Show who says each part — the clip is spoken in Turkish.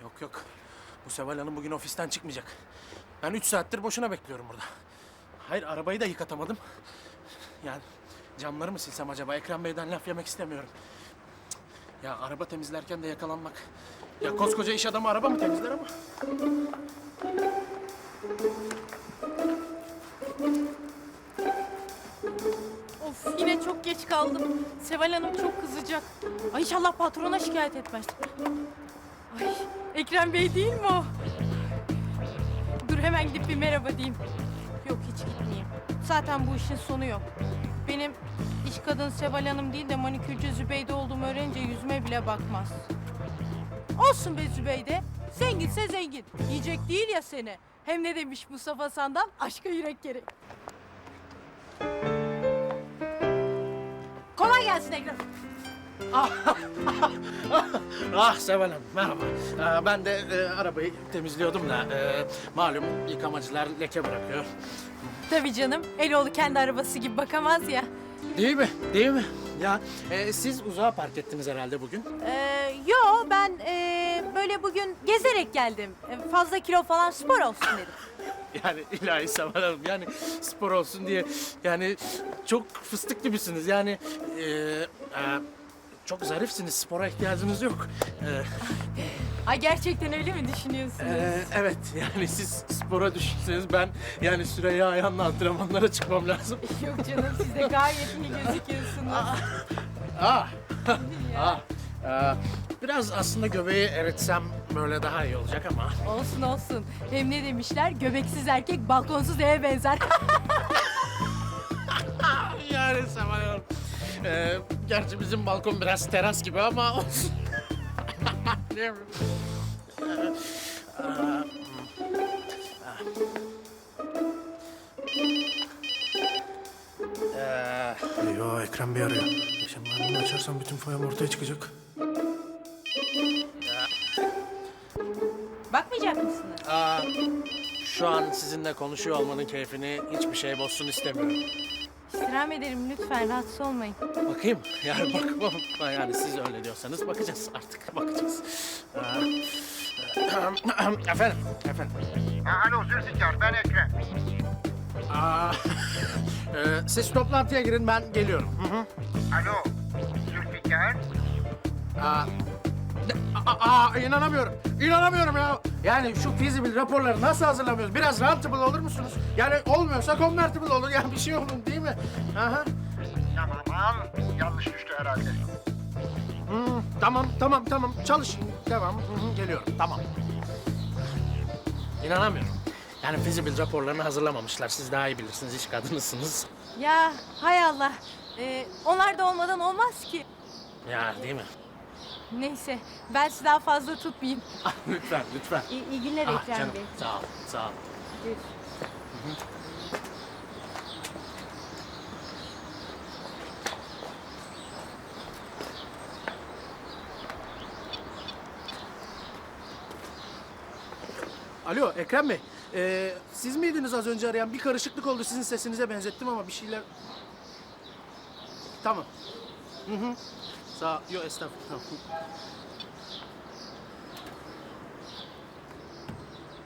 Speaker 1: Yok yok. Bu Seval Hanım bugün ofisten çıkmayacak. Ben 3 saattir boşuna bekliyorum burada. Hayır, arabayı da yıkatamadım. Yani camları mı silsem acaba? Ekrem Bey'den laf yemek istemiyorum. Cık. Ya araba temizlerken de yakalanmak. Ya koskoca iş adamı araba mı temizler ama?
Speaker 2: Of, yine çok geç kaldım. Seval Hanım çok kızacak. Ay inşallah patrona şikayet etmez. Ay Ekrem Bey değil mi o? Dur hemen gidip bir merhaba diyeyim. Yok hiç gitmeyeyim. Zaten bu işin sonu yok. Benim iş kadın Seval Hanım değil de manikürcü Zübeyde olduğumu öğrenince yüzüme bile bakmaz. Olsun be Zübeyde. Zenginse zengin. Yiyecek değil ya seni. Hem ne demiş Mustafa Sandal? Aşka yürek gerek. Kolay gelsin Ekrem.
Speaker 1: Ah Seval Hanım, merhaba. Ben de arabayı temizliyordum da malum yıkamacılar leke bırakıyor.
Speaker 2: Tabii canım. Eloğlu kendi arabası gibi bakamaz ya.
Speaker 1: Değil mi? Değil mi? Ya siz uzağa park ettiniz herhalde bugün.
Speaker 2: Yo ben böyle bugün gezerek geldim. Fazla kilo falan spor olsun dedim.
Speaker 1: Yani ilahi Seval Hanım, yani spor olsun diye yani çok fıstık gibisiniz. Yani çok zarifsiniz, spora ihtiyacınız yok.
Speaker 2: Ay gerçekten öyle mi düşünüyorsunuz?
Speaker 1: Evet, yani siz spora düşseniz ben yani Süreyya Ayhan'la antrenmanlara çıkmam lazım.
Speaker 2: Yok canım siz de gayet iyi gözüküyorsunuz.
Speaker 1: Ah,
Speaker 2: Ya.
Speaker 1: biraz aslında göbeği eritsem böyle daha iyi olacak ama.
Speaker 2: Olsun olsun. Hem ne demişler? Göbeksiz erkek balkonsuz eve benzer.
Speaker 1: Yani Seval Hanım, gerçi bizim balkon biraz teras gibi ama olsun. Değil mi? Eyvah, Ekrem Bey arıyor. Şimdi ben bunu açarsam bütün foyam ortaya çıkacak.
Speaker 2: Bakmayacak mısınız?
Speaker 1: Şu an sizinle konuşuyor olmanın keyfini hiçbir şey bozsun istemiyorum.
Speaker 2: İstirham ederim lütfen rahatsız olmayın.
Speaker 1: Bakayım, yani bakmam. Yani siz öyle diyorsanız bakacağız artık, bakacağız. Efendim.
Speaker 3: Alo Zülfikar, ben Ekrem.
Speaker 1: Siz toplantıya girin, ben geliyorum. Hı hı.
Speaker 3: Alo Zülfikar.
Speaker 1: İnanamıyorum ya. Yani şu feasible raporları nasıl hazırlamıyoruz? Biraz rentable olur musunuz? Yani olmuyorsa convertible olur. Yani bir şey olun değil mi? Aha.
Speaker 3: Tamam, yanlış düştü herhalde.
Speaker 1: Tamam. Çalışın. Devam. Hı hı, geliyorum. Tamam. İnanamıyorum. Yani feasible raporlarını hazırlamamışlar. Siz daha iyi bilirsiniz. İş kadınısınız.
Speaker 2: Ya hay Allah. Onlar da olmadan olmaz ki.
Speaker 1: Ya değil mi?
Speaker 2: Neyse ben sizi daha fazla tutmayayım.
Speaker 1: Lütfen.
Speaker 2: İyi günler Ekrem
Speaker 1: Canım,
Speaker 2: Bey.
Speaker 1: sağ ol. Alo Ekrem Bey. Siz miydiniz az önce arayan? Bir karışıklık oldu. Sizin sesinize benzettim ama bir şeyler... Tamam. Sağ ol. Yok estağfurullah. Tamam.